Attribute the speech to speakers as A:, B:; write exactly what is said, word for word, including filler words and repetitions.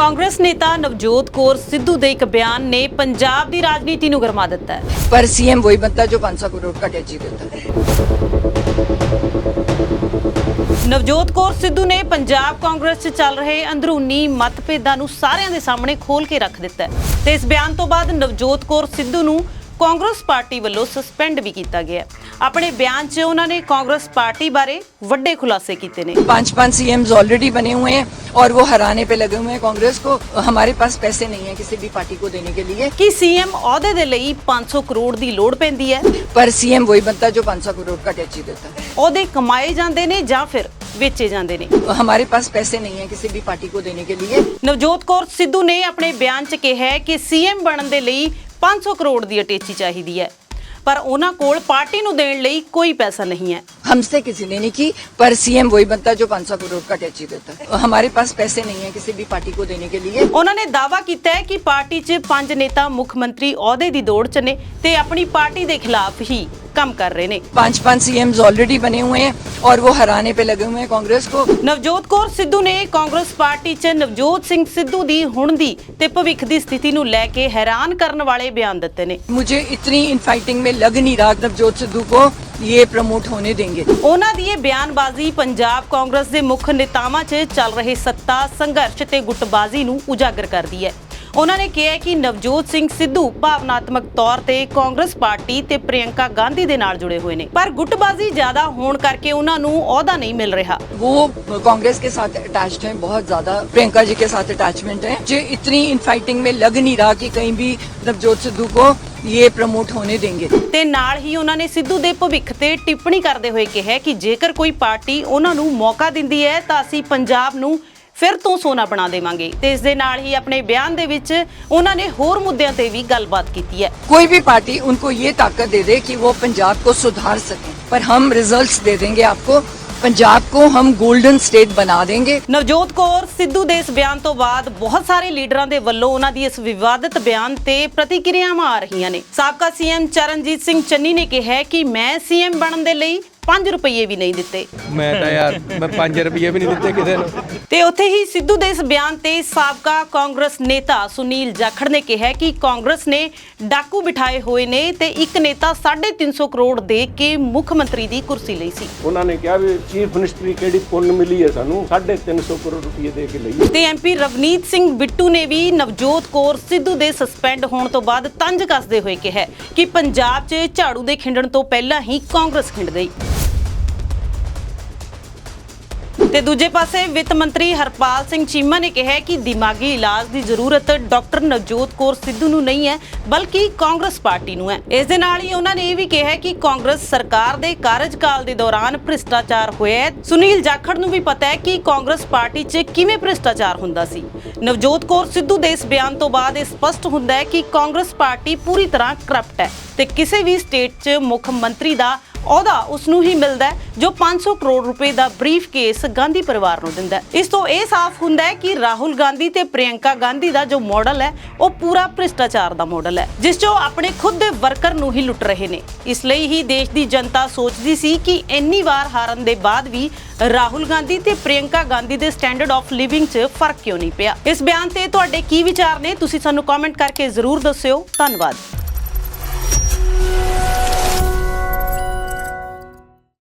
A: ਕਾਂਗਰਸ ਨੇਤਾ ਨਵਜੋਤ ਕੌਰ ਸਿੱਧੂ ਦੇ ਇੱਕ ਬਿਆਨ ਨੇ ਪੰਜਾਬ ਦੀ ਰਾਜਨੀਤੀ ਨੂੰ ਗਰਮਾ ਦਿੱਤਾ ਹੈ।
B: पर सीएम वही बनता है जो पाँच सौ करोड़ का टैक्स देता है।
A: ਨਵਜੋਤ ਕੌਰ ਸਿੱਧੂ ਨੇ ਪੰਜਾਬ ਕਾਂਗਰਸ 'ਚ ਚੱਲ ਰਹੇ ਅੰਦਰੂਨੀ ਮਤਭੇਦਾਂ ਨੂੰ ਸਾਰਿਆਂ ਦੇ ਸਾਹਮਣੇ ਖੋਲ ਕੇ ਰੱਖ ਦਿੱਤਾ ਹੈ ਤੇ ਇਸ ਬਿਆਨ ਤੋਂ ਬਾਅਦ ਨਵਜੋਤ ਕੌਰ ਸਿੱਧੂ ਨੂੰ कांग्रेस पार्टी वालों सस्पेंड भी किया गया। अपने बयान च उन्होंने कांग्रेस पार्टी बारे वड्डे खुलासे किए ने।
B: पांच पांच सीएम्स ऑलरेडी बने हुए हैं और वो हराने पे लगे हुए हैं कांग्रेस को। हमारे पास पैसे नहीं है किसी भी पार्टी को देने के लिए
A: कि सीएम ओहदे दे लई पाँच सौ करोड़ दी लोड़ पैंदी है,
B: पर सीएम वही बनता है जो पाँच सौ करोड़ का टैक्स देता है।
A: ओहदे कमाए जांदे ने जां फिर बेचे जांदे ने।
B: हमारे पास पैसे नहीं है किसी भी पार्टी को देने के लिए।
A: नवजोत कौर सिद्धू ने अपने बयान च कहा है कि सीएम बनन दे लई पाँच सौ करोड़ दी अटेची चाहिदी है, पर उन्हां कोल पार्टी नूं देण लई कोई पैसा नहीं है।
B: हमसे किसी ने नहीं की, पर सीएम वही बनता है जो पाँच सौ करोड़ का टैक्स देता है। हमारे पास पैसे नहीं है किसी भी पार्टी को देने के लिए।
A: उन्होंने दावा किया है कि पार्टी च पंज नेता मुख मंत्री ओहदे दी दौड़ च ने ते अपनी पार्टी दे खिलाफ ही काम कर रहे ने।
B: पांच पांच सीएम्स ऑलरेडी बने हुए हैं और वो हराने पे लगे हुए हैं कांग्रेस को।
A: नवजोत कौर सिद्धू ने कांग्रेस पार्टी च नवजोत सिंह सिद्धू दी हुण दी ते भविख दी स्थिति नूं लैके हैरान करन वाले बयान दित्ते ने।
B: मुझे इतनी इनफाइटिंग में लग नहीं रहा नवजोत सिद्धू को ये प्रमोट होने देंगे।
A: उन्हां दी बयानबाजी पंजाब कांग्रेस दे मुख नेतावां च चल रहे सत्ता संघर्ष ते गुटबाजी नूं उजागर करदी है। उन्होंने कहा कि नवजोत सिंह सिद्धू भावनात्मक तौर ते कांग्रेस पार्टी ते प्रियंका गांधी दे नाल जुड़े हुए ने, पर गुटबाजी ज्यादा होण करके उन्हां नूं ओहदा नहीं मिल रहा।
B: वो कांग्रेस के साथ अटैच्ड हैं, बहुत ज्यादा प्रियंका जी के साथ अटैचमेंट है। जो इतनी इनफाइटिंग में लग नहीं रहा कि कहीं भी नवजोत सिद्धू को ये प्रमोट होने देंगे। ते नाल ही उन्होंने सिद्धू दे भविख ते टिप्पणी करते हुए कहा कि जेकर कोई पार्टी उन्हां नूं मौका दिंदी है तां असीं पंजाब नूं फिर तो सोना बना देवांगे। ते इस दे नाल ही अपने बयान दे विच उन्हां ने होर मुद्दिआं ते भी गलबात कीती है। कोई भी पार्टी उनको ये ताकत दे दे कि वो पंजाब को सुधार सके, पर हम रिजल्ट्स दे देंगे आपको, पंजाब को हम गोल्डन स्टेट बना देंगे।
A: नवजोत कौर सिद्धू दे इस बयान तो बाद बहुत सारे लीडरां दे वल्लों उन्हां दी इस विवादित बयान ते प्रतिक्रियावां आ रहीआं ने। साबका सीएम चरणजीत सिंह चन्नी ने कहा है कि मैं सीएम बनन दे लई पांच रुपये भी नहीं दिते।
C: मैं तो यार मैं पांच रुपये भी नहीं दिते किसी नूं।
A: ते उत्थे ही सिद्धू दे इस बयान ते साबका कांग्रेस नेता सुनील जाखड़ ने कहा कि कांग्रेस ने डाकू बिठाए हुए ने ते एक नेता साढ़े तीन सौ करोड़ दे के मुख मंत्री दी कुर्सी लई सी।
D: उन्होंने कहा भी चीफ मिनिस्टरी केड़ी पुन्न मिली है सानू साढ़े तीन सौ करोड़ रुपये दे के लई।
A: ते एमपी रवनीत सिंह बिट्टू ने भी नवजोत कौर सिद्धू दे सस्पेंड होने तो बाद तंज कसदे हुए कहा कि पंजाब च झाड़ू दे खिंडण तो पहला ही कांग्रेस खिंड गई। ते दूजे पासे वित्त मंत्री हरपाल सिंह चीमा ने कहा कि दिमागी इलाज की जरूरत डॉक्टर नवजोत कौर सिद्धू नूं नहीं है बल्कि कांग्रेस पार्टी नूं है। इस दे नाल ही उन्होंने ये भी कहा कि कांग्रेस सरकार दे कार्यकाल दे दौरान भ्रिष्टाचार होया है। सुनील जाखड़ नूं भी पता है कि कांग्रेस पार्टी च किवें भ्रिष्टाचार हुंदा सी। नवजोत कौर सिद्धू दे इस बयान तो बाद यह स्पष्ट हुंदा है कि कांग्रेस पार्टी पूरी तरह करप्ट है ते किसी भी स्टेट च मुख मंत्री दा ਉਹਦਾ ਉਸ ਨੂੰ ਹੀ ਮਿਲਦਾ ਜੋ पाँच सौ ਕਰੋੜ ਰੁਪਏ ਦਾ ਬਰੀਫ ਕੇਸ ਗਾਂਧੀ ਪਰਿਵਾਰ ਨੂੰ ਦਿੰਦਾ। ਇਸ ਤੋਂ ਇਹ ਸਾਫ਼ ਹੁੰਦਾ ਹੈ ਕਿ ਰਾਹੁਲ ਗਾਂਧੀ ਤੇ ਪ੍ਰਿਯੰਕਾ ਗਾਂਧੀ ਦਾ ਜੋ ਮਾਡਲ ਹੈ ਉਹ ਪੂਰਾ ਭ੍ਰਿਸ਼ਟਾਚਾਰ ਦਾ ਮਾਡਲ ਹੈ ਜਿਸ ਚੋਂ ਆਪਣੇ ਖੁਦ ਦੇ ਵਰਕਰ ਨੂੰ ਹੀ ਲੁੱਟ ਰਹੇ ਨੇ। ਇਸ ਲਈ ਹੀ ਦੇਸ਼ ਦੀ ਜਨਤਾ ਸੋਚਦੀ ਸੀ ਕਿ ਇੰਨੀ ਵਾਰ ਹਾਰਨ ਦੇ ਬਾਅਦ ਵੀ ਰਾਹੁਲ ਗਾਂਧੀ ਤੇ ਪ੍ਰਿਯੰਕਾ ਗਾਂਧੀ ਦੇ ਸਟੈਂਡਰਡ ਆਫ ਲਿਵਿੰਗ 'ਚ ਫਰਕ ਕਿਉਂ ਨਹੀਂ ਪਿਆ। ਇਸ ਬਿਆਨ ਤੇ ਤੁਹਾਡੇ ਕੀ ਵਿਚਾਰ ਨੇ ਤੁਸੀਂ ਸਾਨੂੰ ਕਮੈਂਟ ਕਰਕੇ ਜ਼ਰੂਰ ਦੱਸਿਓ। ਧੰਨਵਾਦ।